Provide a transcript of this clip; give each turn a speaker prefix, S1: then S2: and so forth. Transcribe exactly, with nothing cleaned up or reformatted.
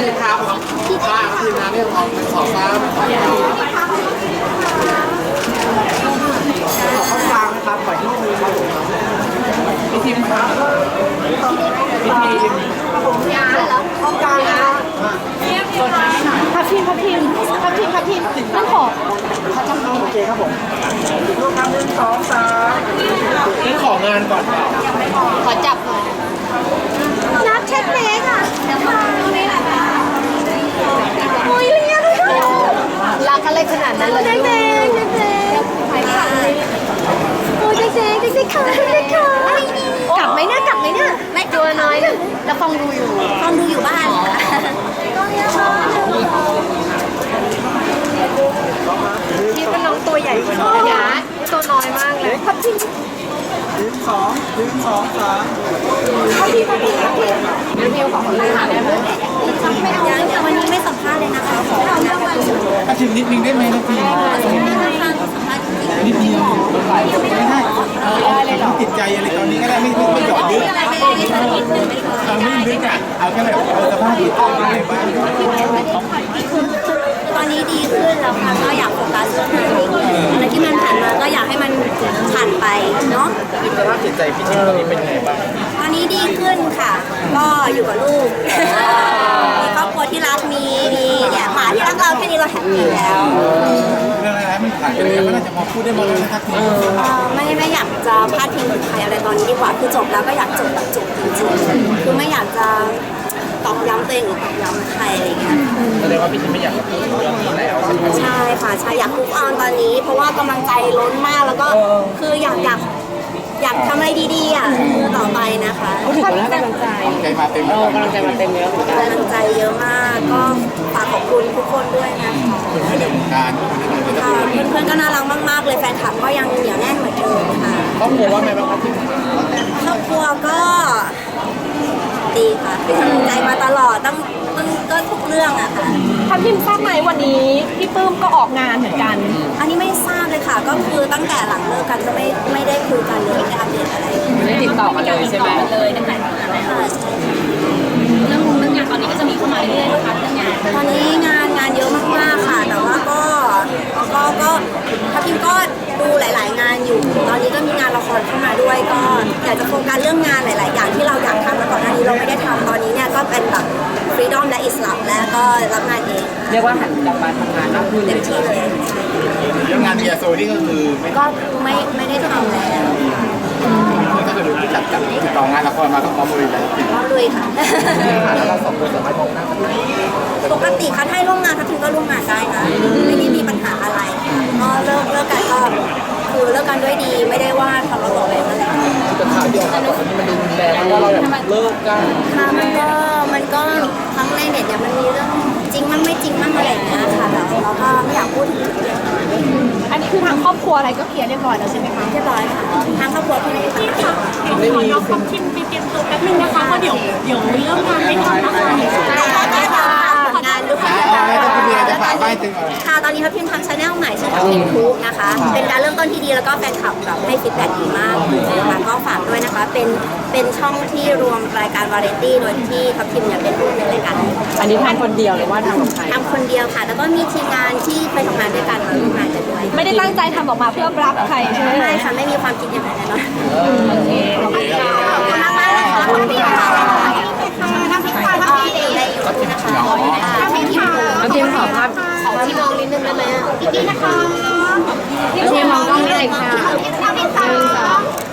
S1: ทีมครับป้าทีมงานเนี่ยออกเป็นขอฟ้าขอข้าวฟางนะครับขอที่มือครับพี่ทีมครับพี่ทีมผมยาแล้วข้าวฟางนะ
S2: พับพิมพับพิมพับพิมพับพิมนั่งขอเขาจำเอา
S1: โอเคครับผมลูกค้าหนึ่งสองสามนี่ของานก่อน
S2: ขอจับหน่อยนับเช็ดเล็กอ่ะโอ้ยเลี้ยงด้วยรักอะไรขนาดนั้นเลยเด็กเด็กเด็กเด็กโอ้ยเด็กเด็กเด็กเด็กค่ะเด็กค่ะกลับไหมเนี่ยกลับไหมเนี่ยไม่ตัวน้อยแล้วฟองดูอยู่ฟองดูอยู่บ้านที่เป็นน้องตัวใหญ่กว่านี้นะตัวน้อยมากเลยพับพิง
S1: หนึ่งสองหนึ่งสองสาม
S2: พับพิงพับพิงพับพิงรีวิวของคนไทยได้ไหมยังแต่วันนี้ไม่สัมภาษณ์เลยนะคะขอเรื่องวันศุกร์
S1: ถ้าชิมนิดนึงได้ไหมนะพี่นิดเดียวไม่ได้เอาเอาติดใจอะไรตอนนี้ก็ได้ไม่ไม่ไม่หยอดเยอะเอาไม่ลึกอ่ะเอาแค่แบบเอาสภาพดีต้องอะไรบ้าง
S2: ตอนนี้ดีขึ้นแล้วค่ะก็อยากโฟกัสเรื่องงานอะไรที่มันผ่านมาก็อยากให้มันผ่านไปเนาะ
S1: สภาพจิตใจพี่ชิมตอนนี้เป็นยังไงบ้าง
S2: ตอนนี้ดีขึ้นค่ะก็อยู่กับลูกมีครอบครัวที่รักมีมีเนี่ยหมาที่รักเราแค่นี้เราแฮปปี้แล้ว
S1: เรื่องอะไรมันผ่านไปแล้วก็น่าจะมาพูดได้หมดเลยนะครับ
S2: ไม่ไม่อยากจะพลาดทิ้งถึงใครอะไรตอนนี้ดีกว่าคือจบแล้วก็อยากจบแบบจบจริงๆคือไม่อยากจะตอกย้ำตัวเองหรือตอกย้ำใครอะไรเงี้ย
S1: แสดงว่าพี่ชิมไม่อยากพูดเรื่องนี้แล้ว
S2: ใช่ค่ะใช่อยากพูดออนตอนนี้เพราะว่ากำลังใจล้นมากแล้วก็คืออยากอยากอยากทำอะไรดีๆอ่ะต่อไปนะคะ
S3: พูดถึงแล้วกำลังใจ
S1: ใจมาเต็ม
S3: เออกำลังใจมาเต็มเลย
S2: กำลังใจเยอะมากก็ฝากขอบคุณทุกคนด้วยนะคะ
S1: เพื่อนในวงการ
S2: เพื่อนๆก็น่ารักมากๆเลยแฟนคลับก็ยังเหนียวแน่นเหมือนเดิมค่ะ
S1: ครอบครัวว่าไงบ้างครับพี่
S2: ครอบครัวก็ดีค่ะเป็นกำลังใจมาตลอดตั้งตั้งก็ทุกเรื่องอะค่ะ
S3: ทัพทิมทราบไหมวันนี้พี่ปื้มก็ออกงานเหมือนกัน
S2: อันนี้ไม่ทราบเลยค่ะก็คือตั้งแต่หลังเลิกกันก็ไม่ไม่ได้คุยกันเลยไม่ได้อัปเดตอะไร
S3: ไม่ได้ติดต่อกันเลยใช่ไหม
S2: เลยตั้งแต่เรื่องเรื่องงานตอนนี้ก็จะมีเข้ามาเรื่อยๆนะคะเรื่องงานตอนนี้งานงานเยอะมากๆค่ะแต่ว่าก็ก็ก็ทัพทิมก็ดูหลายๆงานอยู่ตอนนี้ก็มีงานละครเข้ามาด้วยก็อยากจะโฟกัสเรื่องงานหลายๆอย่างที่เราอยากทำแล้วก่อนหน้านี้เราไม่ได้ทำตอนนี้เนี่ยก็เป็นแบบฟรีดอมและอิสระและก็รับงานเอง
S3: เรียกว่าหันกลับมาทำงานมากขึ้น
S2: เต็มที่เลย
S1: เรื่องงานเบียร์โซนี่ก็คือ
S2: ก็ไม่ไม่ได้ทำแล้ว
S1: ก็คือที่จัดจัดติดต่องานละครมาก็พร้อมลุยแล้ว
S2: พร้อมลุยค่ะ
S1: แล้วเราสองคนสามารถมองหน้ากันได้
S2: ปกติค่ะถ้าร่วมงานทัพทิมก็ร่วมงานได้นะไม่ได้มีปัญหาอะไรก็เลิกเลิกกันก็คือเลิกกันด้วยดีไม่ได้ว่าทะเลาะเบาะแว้งอะไร
S1: แต่ข่าวเดียวกันมันมันดูแรงว่าเราแบบเลิกกัน
S2: ค่ะมันก็มันก็ทั้งในเน็ตเนี่ยมันมีเรื่องจริงมั่งไม่จริงมั่งอะไรอย่างเงี้ยค่ะแต่เราก็ไม่อยากพูดถึงเรื่อง
S3: อันนี้คือทางครอบครัวอะไรก็เคลียร์เรียบร้อยแล้วใช่ไหมคะ
S2: เรียบร้อยค่ะทางครอบครัวพี่
S3: พี่ค่ะขอน้องคำชิมไปเตรียมตัวแป๊บนึงนะคะเพราะเดี๋ยวเดี๋ยวเริ่มงานไม่ทันนะคะ
S2: ได้ค่ะงานด้วยค่ะตอนนี้ทัพทิมทำชาแนลใหม่ชื่อทัพทิมทูบนะคะเป็นการเริ่มต้นที่ดีแล้วก็แฟนคลับแบบให้ฟีดแบ็กดีมากนะคะก็ฝากด้วยนะคะเป็นเป็นช่องที่รวมรายการวาไรตี้โดยที่ทัพทิมเนี่ยเป็นผู้ในรายการ
S3: อันนี้ทำคนเดียวหรือว่าทำกับใคร
S2: ทำคนเดียวค่ะแล้วก็มีทีมงานที่ไปทำงานด้วยกันมาร่วมงานกันด้วย
S3: ไม่ได้ตั้งใจทำออกมาเพื่อรับใครใช่ไหม
S2: ไม่ค่ะไม่มีความคิดอย่างนั้นแน่นอนโอเคขอบคุณมากมากเลยค่ะขอบคุณค่ะทัพทิมค่ะทัพทิมได้อยู่นะคะทัพทิมค่ะ
S3: ทัพทิมขอภาพ
S2: ขอที่มองนิดนึงได้ไหมอีกทีนะคะ
S3: ทัพทิมมองกล้องได้ค่ะ
S2: ทัพทิมค่ะ